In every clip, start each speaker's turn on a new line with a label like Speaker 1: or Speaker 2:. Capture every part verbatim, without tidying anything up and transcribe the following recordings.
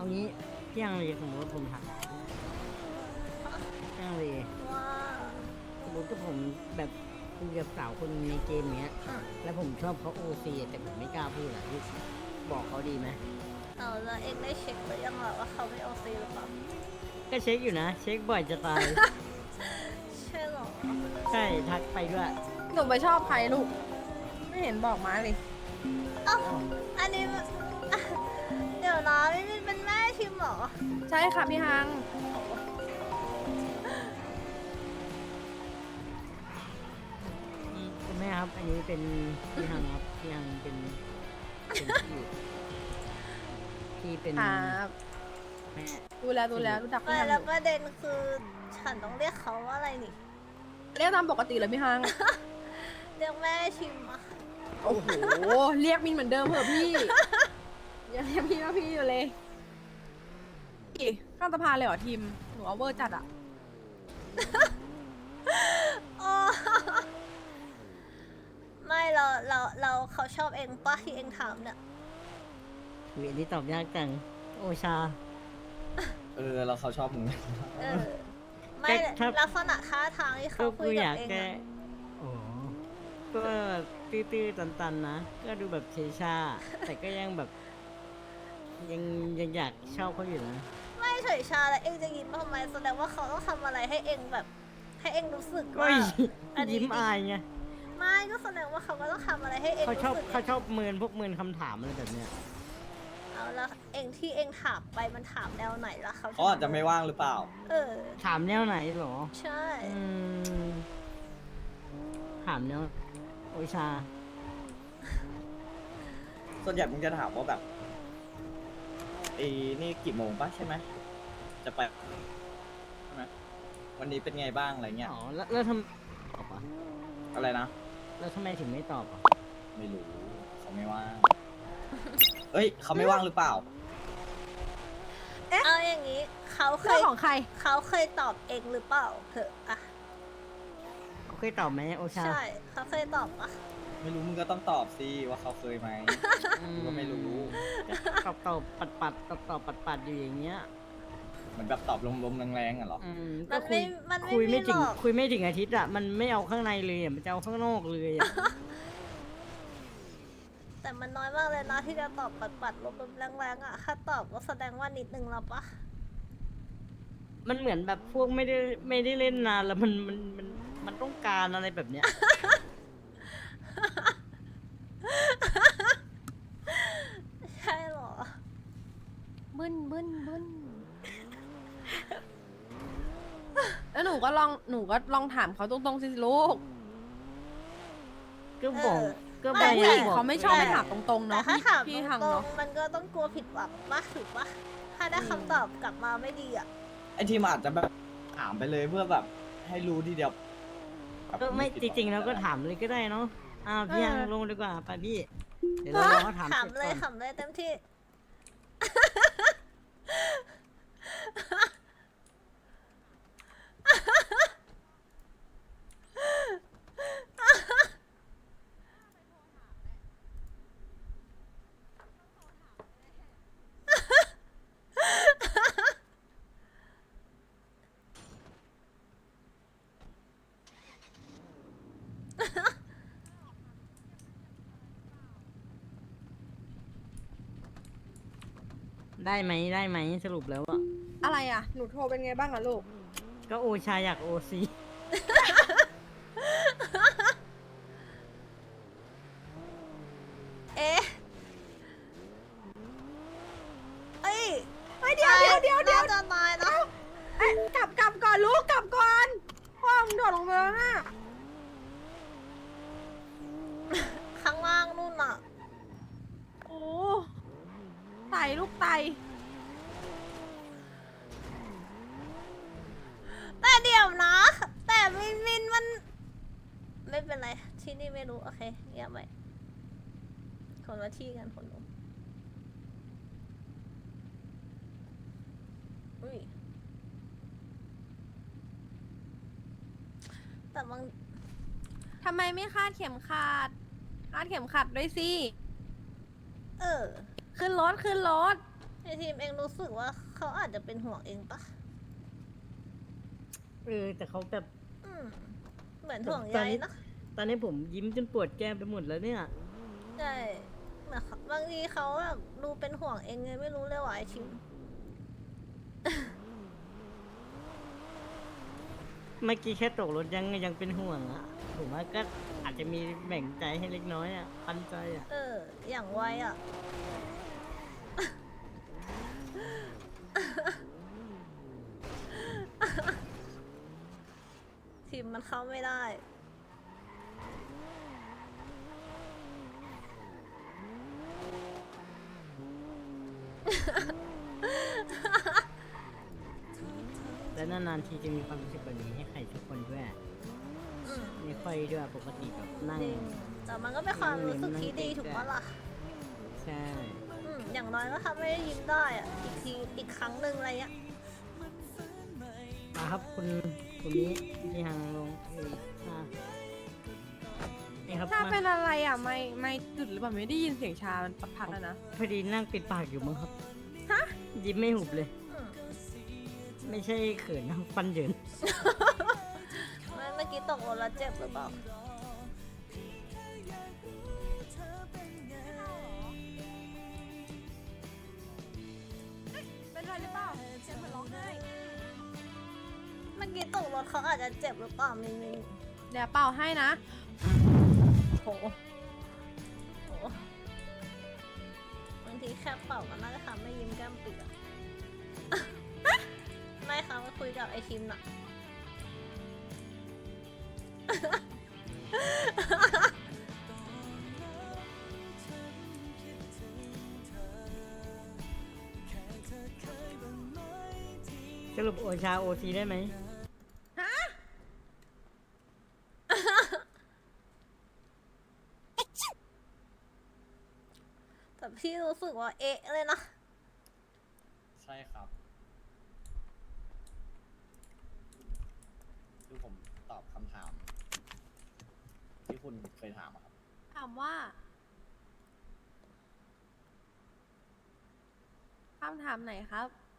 Speaker 1: เอางี้พี่ยังเลยสมมติว่าผมถามพี่ยังเลย
Speaker 2: ว่า
Speaker 1: สมมติถ้าผมแบบคุยกับสาวคนในเกมเนี้ย
Speaker 2: อ่ะ
Speaker 1: แล้วผมชอบเขาโอซีแต่ผมไม่กล้าพูดอะพี่บอกเขาดีไหม
Speaker 2: เอาแล้วเองได้เช็คหรือยังล่ะว่าเขาไม่โอซีหรือเปล่า
Speaker 1: ก็เช็คอยู่นะ เช็คบ่อยจะตาย
Speaker 2: ใช่หรอ
Speaker 1: ใช่ทักไปด้วย
Speaker 3: หนูไปชอบใครลูก ไม่เห็นบอกมาเลย
Speaker 2: เอ้าอันนี้มันอ่ะเดี๋ยวนะนี่มันเป็นแม่ชิมเหรอ
Speaker 3: ใช่ค่ะพี่ฮัง
Speaker 1: คุณแม่ครับ อันนี้เป็นพี่ฮังครับพี่ฮังเป็นเป็นพี่พี่เป็น
Speaker 3: ครับ
Speaker 1: แม่
Speaker 3: ดูแล้วดูแล้วรู้จัก
Speaker 2: ไม่
Speaker 3: พี่ฮัง
Speaker 2: แล้วประเด็นคือฉันต้องเรียกเขาว่าอะไรนี่
Speaker 3: เรียกตามปกติเลยพี่ฮัง
Speaker 2: เรียกแม่ชิมอะ
Speaker 3: โอ้โห เรียกมินเหมือนเดิมเหอะพี่ ยังเรียกพี่ว่าพี่อยู่เลยอีข้ามสะพานเลยเหรอทีม หนูเอาเวอร์จัดอะ
Speaker 2: โอ้ไม่เราเราเราเขาชอบเองปะที่เองถามเนี่ย
Speaker 1: เวียนที่ตอบยากจังโอชา
Speaker 4: เออเราเขาชอบมึง
Speaker 2: เออ ไม่
Speaker 1: แต่ถ้า
Speaker 2: ลักษณะท่าทางที่
Speaker 1: ก็
Speaker 2: เขาคุ
Speaker 1: กู
Speaker 2: ย
Speaker 1: อ
Speaker 2: กั
Speaker 1: ยา
Speaker 2: บ
Speaker 1: ก
Speaker 2: เอง
Speaker 1: แก้
Speaker 2: อะ
Speaker 1: โอ้ก็ตื้อๆตันๆนะ ก็ดูแบบเชชา แต่ก็ยังแบบ ยังยังอยากชอบเขาอยู่นะ
Speaker 2: ไม่เฉยชาแล้วเองจะยิ้มทำไมแสดงว่าเขาต้องทำอะไรให้เองแบบ ให้เองรู้สึก
Speaker 1: ก็
Speaker 2: ว่า อันนี้
Speaker 1: ยิ้มอายไง
Speaker 2: ไม่ก็แสดงว่าเขาก็ต้องทำอะไรให้เอง
Speaker 1: เขา
Speaker 2: รู้
Speaker 1: ชอบ
Speaker 2: สึก
Speaker 1: เขาชอบเมินพวกเมินคำถามอะไรแบบเนี้ย
Speaker 2: เอาแล้วเองที่เองถามไปมันถามแนวไหนล่ะเขา
Speaker 4: เขาอาจจะไม่ว่างหรือเปล่า
Speaker 2: เออ
Speaker 1: ถามแนวไหนเหรอ
Speaker 2: ใช่
Speaker 1: อืม ถามแนวโอชา
Speaker 4: ส่วนใหญ่มึงจะถามว่าแบบไอ้นี่กี่โมงปะใช่ไหมจะไปใช่ไหมวันนี้เป็นไงบ้างอะไรเงี้ย
Speaker 1: อ๋อ แล้วแล้วทำตอบอ่ะ
Speaker 4: อะไรนะ
Speaker 1: แล้วทำไมถึงไม่ตอบอ่ะ
Speaker 4: ไม่รู้เขาไม่ว่าง เอ้ยเขาไม่ว่างหรือเปล่า
Speaker 2: เอาอย่างนี้เขาเค
Speaker 3: เรื่อย งของใคร
Speaker 2: เขาเคยตอบเองหรือเปล่าเถอะอะ
Speaker 1: เขาเคยตอบไหมโอชา
Speaker 2: ใช่เขาเคยตอบปะ
Speaker 4: ไม่รู้มึงก็ต้องตอบสิว่าเขาเคยไหม
Speaker 1: อื
Speaker 4: กูก็ไม่รู้
Speaker 1: ก็ตอบตอบปัดปัดตอบตอบปัดปัดอยู่อย่างเงี้ย
Speaker 4: เหมือนแบบตอบลมๆแรงๆอ่ะเหรอ
Speaker 1: อืม
Speaker 2: มั
Speaker 1: ก็
Speaker 2: น
Speaker 1: คุ
Speaker 2: ไม่
Speaker 1: ย
Speaker 2: มันไม่
Speaker 1: คุย
Speaker 2: มี
Speaker 1: ไม่
Speaker 2: ห
Speaker 1: ถึ
Speaker 2: รง อก
Speaker 1: คุยไม่ถึงอาทิตย์อ่ะ มันไม่เอาข้างในเลยอ่ะ มันจะเอาข้างนอกเลยอ่ะ
Speaker 2: แต่มันน้อยมากเลยนะที่จะตอบปัดปัดๆลบๆแรงๆอะถ้าตอบก็แสดงว่านิดนึงแล้วปะ
Speaker 1: มันเหมือนแบบพวกไม่ได้ไม่ได้เล่นนานแล้วมันมันมันมันต้องการอะไรแบบเนี้ย
Speaker 2: ใช่เหรอ
Speaker 3: บึ้นบึ้นบึ้นแล้วหนูก็ลอง หนูก็ลองถามเขาตรงๆสิลูก
Speaker 1: ก็บอก
Speaker 2: เออ
Speaker 1: ก็
Speaker 3: แต่
Speaker 1: พ
Speaker 3: ผู้
Speaker 1: ยา
Speaker 3: ห
Speaker 1: ยาม
Speaker 3: ญิง
Speaker 1: บอก
Speaker 3: เขาไม่ชอบไปถามตรงๆ
Speaker 2: แต่
Speaker 3: เนาะ
Speaker 2: ถ้า
Speaker 3: พี่
Speaker 2: ถาม
Speaker 3: พี่
Speaker 2: ต
Speaker 3: ฮัง
Speaker 2: รง
Speaker 3: เนาะ
Speaker 2: ๆมันก็ต้องกลัวผิดหวังปะถูกปะถ้าได้คำตอบกลับมาไม่ดีอะ
Speaker 4: ไอ้ทีมอาจจะแบบถามไปเลยเพื่อแบบ ให้รู้ทีเดียวแบบ
Speaker 1: ก็ไม่
Speaker 4: ผิ
Speaker 1: จ
Speaker 4: ดหวั
Speaker 1: ริงๆแล้วก็ถามเลยก็ได้เนาะอ้าวพี่ยังลงดีกว่าไปพี่ เดี๋ยวเรารอเขาถาม
Speaker 2: ถาม
Speaker 1: เสร็จ
Speaker 2: เลย
Speaker 1: ก่อน
Speaker 2: ถามเลยเต็มที่
Speaker 1: ได้ไหมได้ไหมสรุปแล้วอ่ะ
Speaker 3: อะไรอ่ะ หนูโทรเป็นไงบ้างอะลูก
Speaker 1: ก็โอชาอยากโอซี
Speaker 2: เอ๊ะเอ้ย
Speaker 3: เฮ้ยเดี๋ยวเดี๋ยวเดี๋ยวเดี๋ยว
Speaker 2: น่าจะตายนะ
Speaker 3: เอ้ยกลับกลับก่อนลูกกลับก่อนพ่อมึงโดดลงไปแล้วน่ะ
Speaker 2: ข้างล่างนู่นอะ
Speaker 3: โอ้ไตลูกไต
Speaker 2: แต่เดี๋ยวนะ แต่มินมินมัน ไม่เป็นไร ที่นี่ไม่รู้ โอเคเงียบไว้คนละที่กันคนละอุ้ยแต่บาง
Speaker 3: ทำไมไม่คาดเข็มขัด คาดเข็มขัดด้วยสิ
Speaker 2: เออ
Speaker 3: ขึ้นรถขึ้นรถ
Speaker 2: ไอทีมเองรู้สึกว่าเขาอาจจะเป็นห่วงเองปะ
Speaker 1: เออ แต่เขาแบบ
Speaker 2: อืม เหมือนห่วงใยนะ
Speaker 1: ตอนนี้ผมยิ้มจนปวดแก้มไปหมดแล้วเนี่ย
Speaker 2: ใช่เหมือนเขาบางทีเขาแบบดูเป็นห่วงเองไงไม่รู้เลยว่ะไอทีม
Speaker 1: เมื่อกี้แค่ตกรถยังยังเป็นห่วงอะผมว่าก็อาจจะมีแบ่งใจให้เล็กน้อยอะปันใจอะ
Speaker 2: เออ อย่างไวอ่ะ ทีมมันเข้าไม่ได้
Speaker 1: และนานๆทีจะมีความรู้สึกแบบนี้ให้ใครทุกคนด้วย
Speaker 2: อืม
Speaker 1: ไม่ค่อยด้วยปกติแบบนั่ง
Speaker 2: จริงแต่มันก็เป็นความรู้สึกที่ดีถูกปะล่ะ
Speaker 1: ใช่
Speaker 2: อืม อย่างน้อยก็ทำให้ยิ้มได้อ่ะ อีกที อีกครั้งหนึ่งอะไรเงี้ย
Speaker 1: มาครับคุณคุณนี้ที่หางลงเอ้ยอ่ะนี่ครับ
Speaker 3: ชา
Speaker 1: มา
Speaker 3: เป็นอะไรอ่ะ ไม่ไม่จุดหรือเปล่าไม่ได้ยินเสียงชา มันพักๆแล้วนะ
Speaker 1: พอดีนั่งปิดปากอยู่มั้งครับ
Speaker 3: ฮะ
Speaker 1: ยิ้มไม่หุบเลย
Speaker 2: อืม
Speaker 1: ไม่ใช่เขินนะฟันเหยิน
Speaker 2: ไม่เมื่อกี้ตกรถแล้วเจ็บหรือเปล่า
Speaker 3: เป็นอะไรหรือเปล่าเสียงเหมือนร้องไห้
Speaker 2: เมื่อกี้ตกรถเขาอาจจะเจ็บหรือเปล่ามินมิน
Speaker 3: เดี๋ยวเป่าให้นะ
Speaker 2: โหโหบางทีแค่เป่าก็น่าจะทำให้ยิ้มแก้มปิดอะ ไม่ค่ะมาคุยกับไอทีมน่ะ
Speaker 1: สรุปโอชาโอทีได้ไหม
Speaker 2: แต่พี่รู้สึกว่าเอ๊ะเลยนะ
Speaker 4: ใช่ครับ คือผมตอบคำถาม ที่คุณเคยถามอะครับ
Speaker 3: ถามว่าคำถามไหนครับ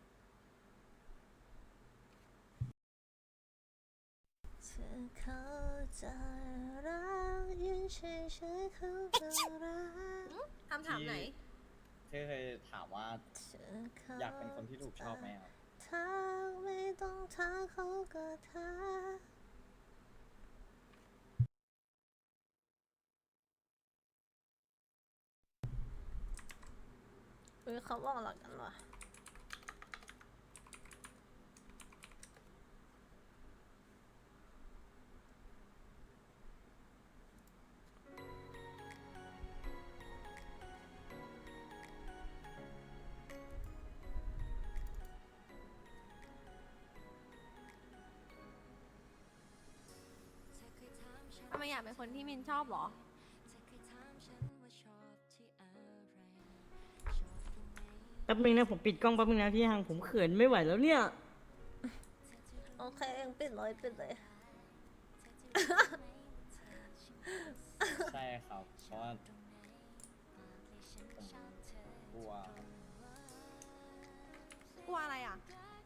Speaker 2: เธอเข้าใจรักยืนเฉยๆเขาก็รัก
Speaker 3: คำถามไหน
Speaker 4: ที่เคยถามว่า
Speaker 2: เธอเข้า
Speaker 4: อยากเป็นคนที่ถูกชอบไหมครับ
Speaker 2: ทักไม่ต้องทักเขาก็ทักเฮ้ยเขาบอกหลักกันว่ะ
Speaker 3: ทำไมอยากเป็นคนที่มินชอบเหรอ
Speaker 1: แป๊บนึงนะผมปิดกล้องแป๊บนึงนะพี่ฮังผมเขินไม่ไหวแล้วเนี่ย
Speaker 2: โอเคเองปิดเลยปิดเลย
Speaker 4: ใช่ครับ เพราะว่าผมกลัวครับ
Speaker 3: กลัวอะไรอ่ะ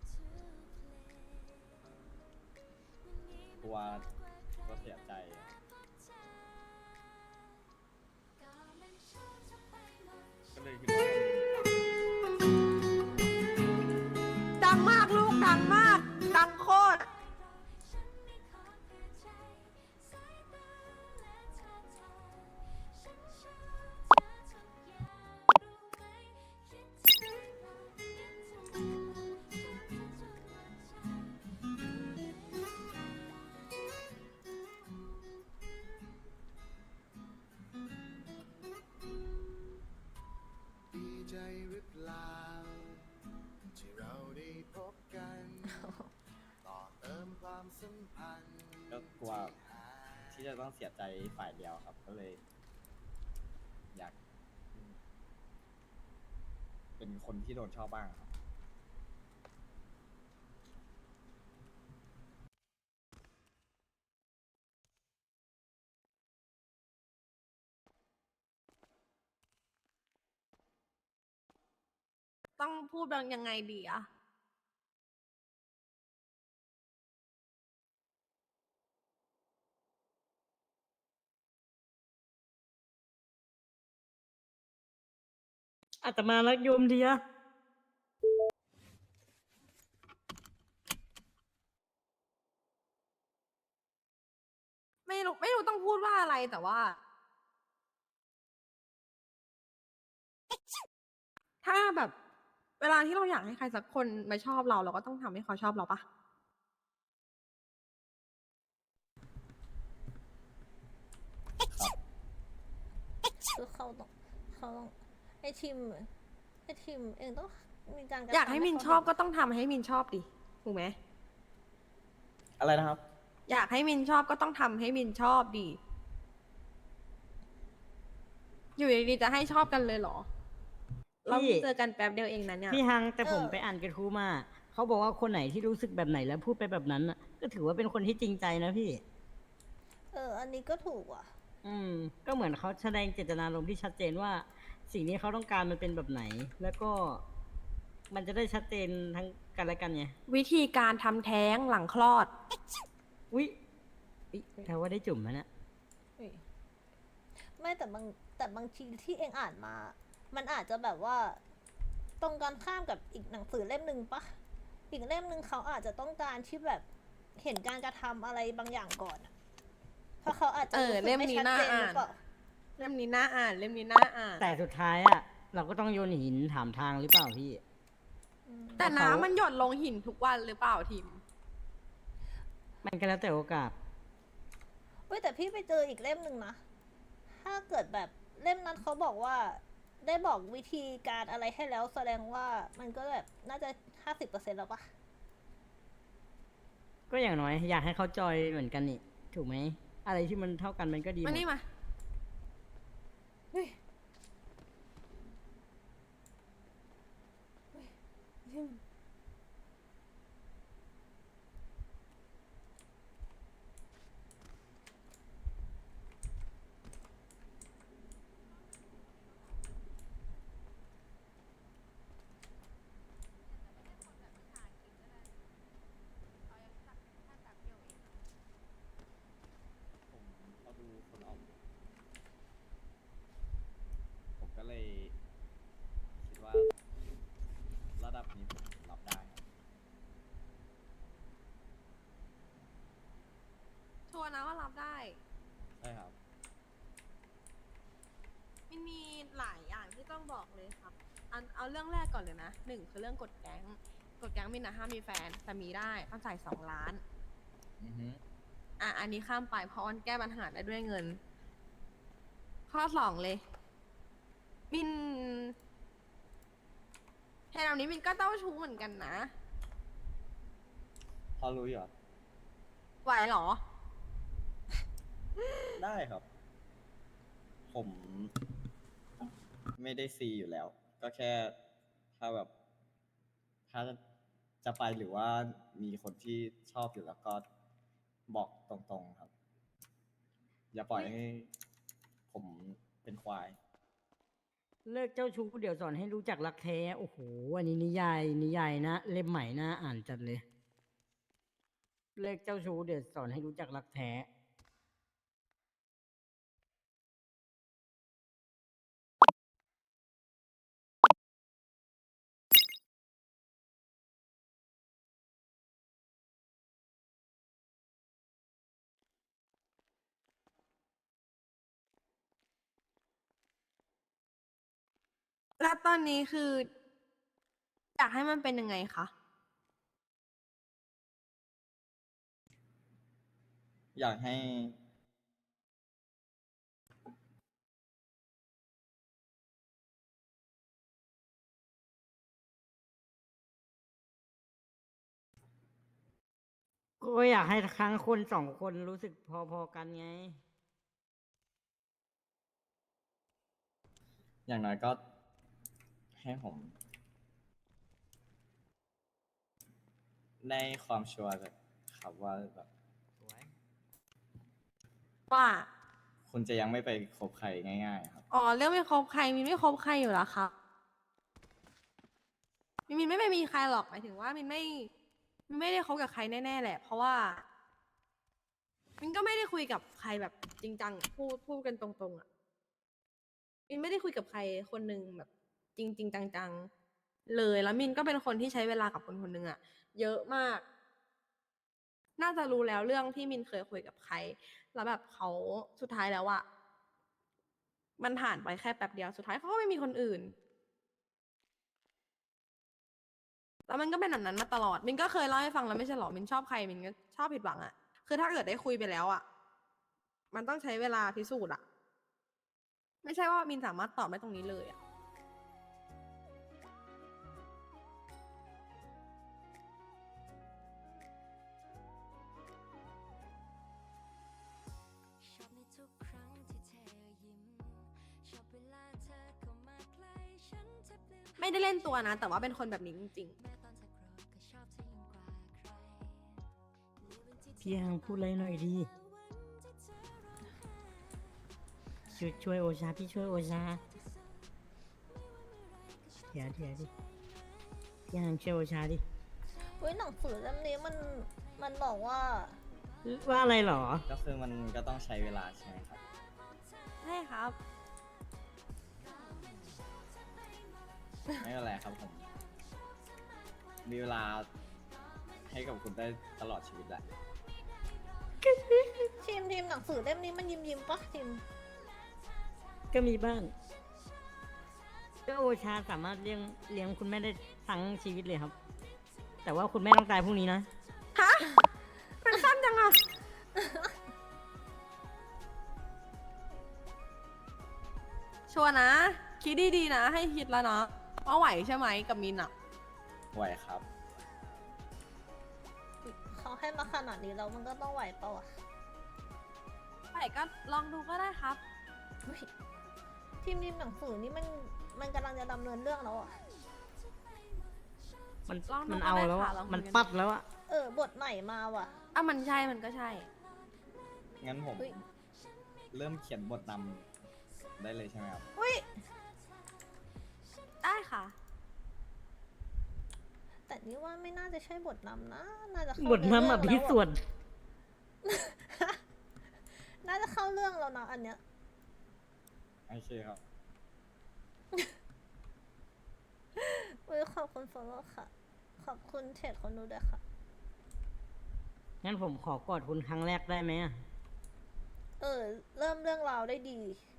Speaker 4: กลัวก็เสียใจ ก็เลยคิดว่า
Speaker 3: ดังมากลูก ดังมาก ดังโคตร
Speaker 5: ดีใจหรือเปล่าที่เราได้พบกัน ต่อเติมความสัมพันธ์
Speaker 4: ก็กลัวที่จะต้องเสียใจฝ่ายเดียวครับ ก็เลย อยาก เป็นคนที่โดนชอบบ้างครับ
Speaker 3: ต้องพูดแบบยังไงดีอะ
Speaker 1: อาตมารักโยมเดีย
Speaker 3: ไม่รู้ไม่รู้ต้องพูดว่าอะไรแต่ว่า ถ้าแบบ เวลาที่เราอยากให้ใครสักคนมาชอบเราเราก็ต้องทำให้เขาชอบเราปะ
Speaker 2: คือเขาต้องเขาต้องไอทีมไอทีมเองต้องมีการระ
Speaker 3: อยากให้
Speaker 2: ทำ
Speaker 3: มิน
Speaker 2: เขา
Speaker 3: ชอบ
Speaker 2: เห็
Speaker 3: ก็ต้องทำให้มินชอบดิถูกไหม
Speaker 4: อะไรนะครับ
Speaker 3: อยากให้มินชอบก็ต้องทำให้มินชอบดิอยู่ดีๆจะให้ชอบกันเลยเหรอ เรา
Speaker 1: พี่
Speaker 3: เจอกันแป๊บเดียวเองนะเนี่ย
Speaker 1: พี่ฮังแต่ผมไปอ่านกระทู้มา เขาบอกว่าคนไหนที่รู้สึกแบบไหนแล้วพูดไปแบบนั้นน่ะ ก็ถือว่าเป็นคนที่จริงใจนะพี่
Speaker 2: เออ อันนี้ก็ถูกว่ะ
Speaker 1: อืม ก็เหมือนเขาแสดงเจตนารมณ์ที่ชัดเจนว่า สิ่งนี้เขาต้องการมันเป็นแบบไหน แล้วก็ มันจะได้ชัดเจนทั้งกันและกันไง
Speaker 3: วิธีการทำแท้งหลังคลอด
Speaker 1: อุ๊ยอุ๊ยแต่ว่าได้จุ่มแล้วนะ
Speaker 2: เฮ้ยไม่แต่บางแต่บางทีที่เองอ่านมา มันอาจจะแบบว่า ตรงกันข้ามกับอีกหนังสือเล่มหนึ่งปะอีกเล่มหนึ่งเขาอาจจะต้องการที่แบบเห็นการกระทำอะไรบางอย่างก่อนอะเพราะเขาอาจจะ
Speaker 3: เออ
Speaker 2: รู้สึก
Speaker 3: เล่ม
Speaker 2: ไม่
Speaker 3: นี้
Speaker 2: ชัด
Speaker 3: น่า
Speaker 2: เจนห
Speaker 3: อ่า
Speaker 2: รื
Speaker 3: น
Speaker 2: อเปล่า
Speaker 3: เล่มนี้น่าอ่านเล่มนี้น่าอ่าน
Speaker 1: แต่สุดท้ายอ่ะ เราก็ต้องโยนหินถามทางหรือเปล่าพี่
Speaker 3: แต่
Speaker 1: เขา
Speaker 3: น้ำมันหยดลงหินทุกวันหรือเปล่าทิม
Speaker 1: มันก็แล้วแต่โอกาส
Speaker 2: เว้ยแต่พี่ไปเจออีกเล่มหนึ่งนะ ถ้าเกิดแบบเล่มนั้นเขาบอกว่า ได้บอกวิธีการอะไรให้แล้วแสดงว่ามันก็แบบน่าจะห้าสิบเปอร์เซ็นต์แล้วปะ
Speaker 1: ก็อย่างน้อยอยากให้เขาจอยเหมือนกันนี่ ถูกไหม อะไรที่มันเท่ากันมันก็ดีหม
Speaker 3: มา
Speaker 1: ด
Speaker 3: นี่มา
Speaker 2: เฮ้ย
Speaker 4: ผมเขาดูคนออก ผมก็เลยคิดว่า ระดับนี้ผมรับได้ครับ
Speaker 3: ชัวร์นะว่ารับได้
Speaker 4: ใช่ครับ
Speaker 3: มันมีหลายอย่างที่ต้องบอกเลยครับอันเอาเรื่องแรกก่อนเลยนะหนึ่งคือเรื่องกฎแก๊งกฎแก๊งมินนะห้ามมีแฟนแต่มีได้ต้องจ่ายสองล้าน
Speaker 4: อือฮึ
Speaker 3: อ่ะอันนี้ข้ามไปเพราะมันแก้ปัญหาได้ด้วยเงิน ข้อสองเลย มินแทนแบบนี้มินก็เต้าชู้เหมือนกันนะ
Speaker 4: พอรู้อยู่เหรอ
Speaker 3: ไหวเหรอ
Speaker 4: ได้ครับ ผมไม่ได้ซีอยู่แล้ว ก็แค่ถ้าแบบ ถ้าจะไปหรือว่ามีคนที่ชอบอยู่แล้วก็บอกตรงๆครับ อย่าปล่อยให้ผมเป็นควาย
Speaker 1: เลิกเจ้าชู้เดี๋ยวสอนให้รู้จักรักแท้ โอ้โห อันนี้นิยายนิยายนะ เล่มใหม่นะอ่านจัดเลย เลิกเจ้าชู้เดี๋ยวสอนให้รู้จักรักแท้
Speaker 3: แล้วตอนนี้คือ อยากให้มันเป็นยังไงคะ
Speaker 4: อยากให้
Speaker 1: ก็อยากให้ครั้งคนสองคนรู้สึกพอๆกันไง
Speaker 4: อย่างน้อยก็ให้ผมได้ความชัวร์แบบครับว่าแบบ
Speaker 3: ว่า
Speaker 4: คุณจะยังไม่ไปคบใครง่ายๆครับ
Speaker 3: อ๋อ เรื่องไม่คบใครมินไม่คบใครอยู่แล้วครับมินไม่ไปมีใครหรอกหมายถึงว่ามินไม่มินไม่ได้คบกับใครแน่ๆแหละ เพราะว่ามินก็ไม่ได้คุยกับใครแบบจริงจังพูดพูดกันตรงๆอ่ะมินไม่ได้คุยกับใครคนหนึ่งแบบจริงจริงจังๆเลยแล้วมินก็เป็นคนที่ใช้เวลากับคนคนหนึ่งอ่ะเยอะมาก น่าจะรู้แล้วเรื่องที่มินเคยคุยกับใคร แล้วแบบเขาสุดท้ายแล้วอะมันผ่านไปแค่แป๊บเดียวสุดท้ายเขาก็ไม่มีคนอื่น แล้วมันก็เป็นแบบนั้นมาตลอด มินก็เคยเล่าให้ฟังแล้วไม่ใช่หรอ มินชอบใครมินก็ชอบผิดหวังอะคือถ้าเกิดได้คุยไปแล้วอะมันต้องใช้เวลาพิสูจน์อะไม่ใช่ว่ามินสามารถตอบได้ตรงนี้เลยอะ
Speaker 6: ชอบในทุกครั้งที่เธอยิ้มชอบเวลาเธอเข้ามาใกล้ฉันแทบลืม
Speaker 3: ไม่ได้เล่นตัวนะ แต่ว่าเป็นคนแบบนี้จริง
Speaker 6: แม้ตอนเธอโกรธก็ชอบเธอยิ่งกว่าใครในวันที่เธอ
Speaker 1: พี่ยังพูดอะไรหน่อยดีช่วยช่วยโอชาพี่ช่วยโอชาเดี๋ยวเดี๋ยวดิพี่ยังช่วยโอชาดิ
Speaker 2: เฮ้ยหนังสือเล่มนี้มันมันบอกว่า
Speaker 1: ว่าอะไรเหรอ
Speaker 4: ก็คือมันก็ต้องใช้เวลาใช่ไหมครับ
Speaker 3: ๆ ใช่ครับ
Speaker 4: ไม่เป็นไรครับผม มีเวลาให้กับคุณได้ตลอดชีวิตแหละ
Speaker 2: ทีมทีมหนังสือเล่มนี้มันยิ้มยิ้มๆปะทีม
Speaker 1: ก็มีบ้าง ก็โอชาสามารถเลี้ยงเลี้ยงคุณแม่ได้ทั้งชีวิตเลยครับ แต่ว่าคุณแม่ต้องตายพรุ่งนี้นะ
Speaker 3: ฮะมันสั้นจังอะชัวร์นะ คิดดีๆนะ ให้คิดแล้วนะว่าไหวใช่ไหมกับมินอะ
Speaker 4: ไหวครับ
Speaker 2: เขาให้มาขนาดนี้แล้วมันก็ต้องไหวเปล่าวะ
Speaker 3: ไหวก็ลองดูก็ได้ครับ
Speaker 2: เฮ้ยทีมทีมหนังสือนี่มันมันกำลังจะดำเนินเรื่องแล้วอ่ะ
Speaker 1: มัน
Speaker 3: ลองดู
Speaker 1: มันเอา
Speaker 3: ก็ได้
Speaker 1: แล้วอะ
Speaker 3: ค่ะลองคุยกัน
Speaker 1: มันปัดแล้วอะ
Speaker 2: เออบทใหม่มาว่ะ
Speaker 3: อ่ะมันใช่มันก็ใช่
Speaker 4: งั้นผม
Speaker 2: เฮ้ย
Speaker 4: เริ่มเขียนบทนำได้เลยใช่ไหมครับ
Speaker 2: อุ้ย
Speaker 3: ได้ค่ะ
Speaker 2: แต่นี่ว่าไม่น่าจะใช่บทนำนะ น่าจะเข้า
Speaker 1: บทน้ำ
Speaker 2: เรื่
Speaker 1: อ่ะ
Speaker 2: ง
Speaker 1: พี่
Speaker 2: แล้ว
Speaker 1: ส่วน
Speaker 2: น่าจะเข้าเรื่องแล้วนะอันเนี้ย
Speaker 4: โอเคครับ
Speaker 2: อุ้ยขอบคุณ follow ค่ะ ขอบคุณเทรดคนดูด้วยค่ะ
Speaker 1: งั้นผมขอกอดคุณครั้งแรกได้ไหมอะ
Speaker 2: เออ เริ่มเรื่องราวได้ดี